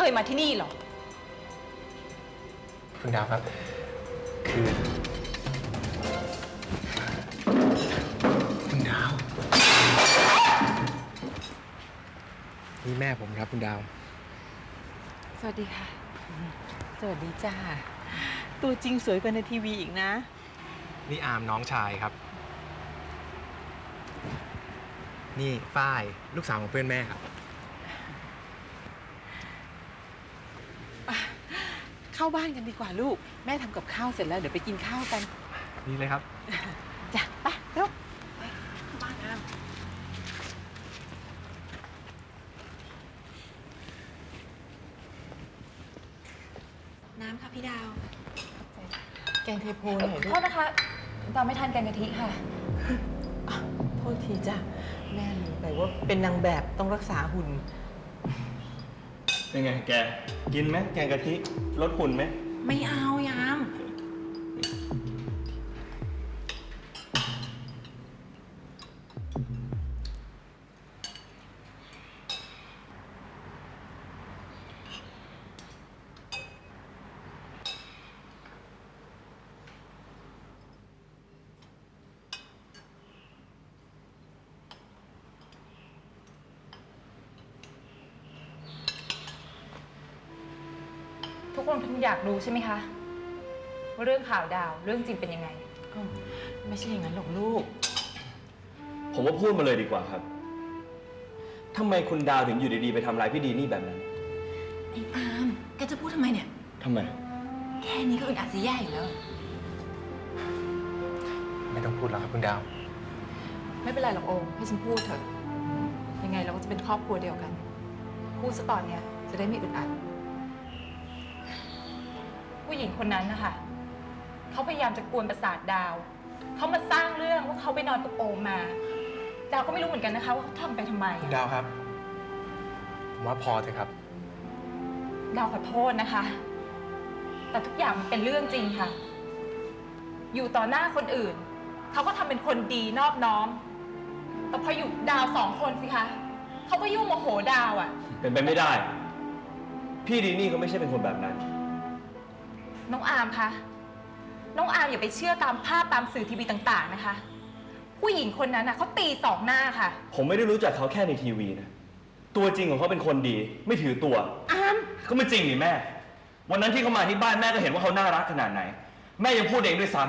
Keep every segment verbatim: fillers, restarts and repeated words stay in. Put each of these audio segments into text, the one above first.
ยมาที่นี่หรอคุณดาวครับคือคุณดาวนี่แม่ผมครับคุณดาวสวัสดีค่ะสวัสดีจ้าตัวจริงสวยกว่าในทีวีอีกนะนี่อามน้องชายครับนี่ฝ้ายลูกสาวของเพื่อนแม่ครับเข้าบ้านกันดีกว่าลูกแม่ทำกับข้าวเสร็จแล้วเดี๋ยวไปกินข้าวกันนี่เลยครับจ้ะไปเร็วไปเข้าบ้านกันน้ำค่ะพี่ดาวแกงเทโพหน่อยลูกโทษนะคะดาวไม่ทานแกงกะทิค่ะโทษทีจ้ะแม่ลืมไปว่าเป็นนางแบบต้องรักษาหุ่นเป็นไงแกกินไหมแกงกะทิลดหุ่นไหมไม่เอายามทุกคนคงอยากรู้ใช่ไหมคะว่าเรื่องข่าวดาวเรื่องจริงเป็นยังไงไม่ใช่อย่างนั้นหรอกลูกผมว่าพูดมาเลยดีกว่าครับทำไมคุณดาวถึงอยู่ดีๆไปทำร้ายพี่ดีนี่แบบนั้นไอ้อามแกจะพูดทำไมเนี่ยทำไมแค่นี้ก็อึดอัดจะแย่อยู่แล้วไม่ต้องพูดแล้วครับคุณดาวไม่เป็นไรหรอกโอมให้ฉันพูดเถอะยังไงเราก็จะเป็นครอบครัวเดียวกันพูดซะตอนเนี้ยจะได้ไม่อึดอัดผู้หญิงคนนั้นนะคะเขาพยายามจะกวนประสาทดาวเขามาสร้างเรื่องว่าเขาไปนอนกับโอมมาดาวก็ไม่รู้เหมือนกันนะคะว่าเขาทำไปทำไมคุณดาวครับผมว่าพอเถอะครับดาวขอโทษนะคะแต่ทุกอย่างมันเป็นเรื่องจริงค่ะอยู่ต่อหน้าคนอื่นเขาก็ทำเป็นคนดีนอบน้อมแต่พออยู่ดาวสองคนสิคะเขาก็ยุ่งโมโหดาวอ่ะเป็นไปไม่ได้พี่ดีนี่ก็ไม่ใช่เป็นคนแบบนั้นน้องอาร์มคะน้องอาร์มอย่าไปเชื่อตามภาพตามสื่อทีวีต่างๆนะคะผู้หญิงคนนั้นน่ะเขาตีสองหน้าค่ะผมไม่ได้รู้จักเขาแค่ในทีวีนะตัวจริงของเขาเป็นคนดีไม่ถือตัวอาร์มก็ไม่จริงนี่แม่วันนั้นที่เขามาที่บ้านแม่ก็เห็นว่าเขาน่ารักขนาดไหนแม่ยังพูดเองด้วยซ้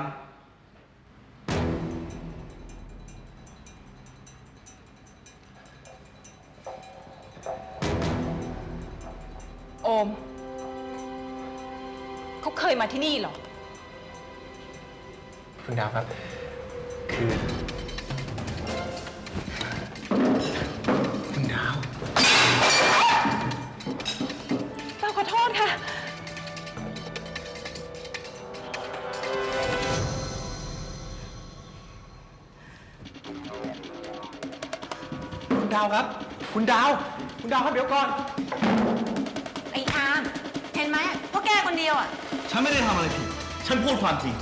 ำโอมเขาเคยมาที่นี่หรอคุณดาวครับคือคุณดาวดาวขอโทษค่ะคุณดาวครับคุณดาวคุณดาวครับเดี๋ยวก่อนไอ้อาร์มเห็นไหมพวกแกคนเดียวอ่ะฉันไม่ได้ทำอะไรผิดฉันพูดความจริง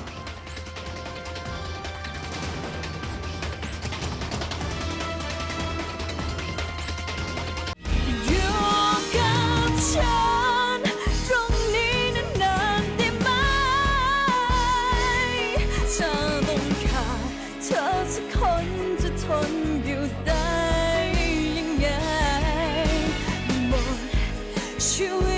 ชีวิต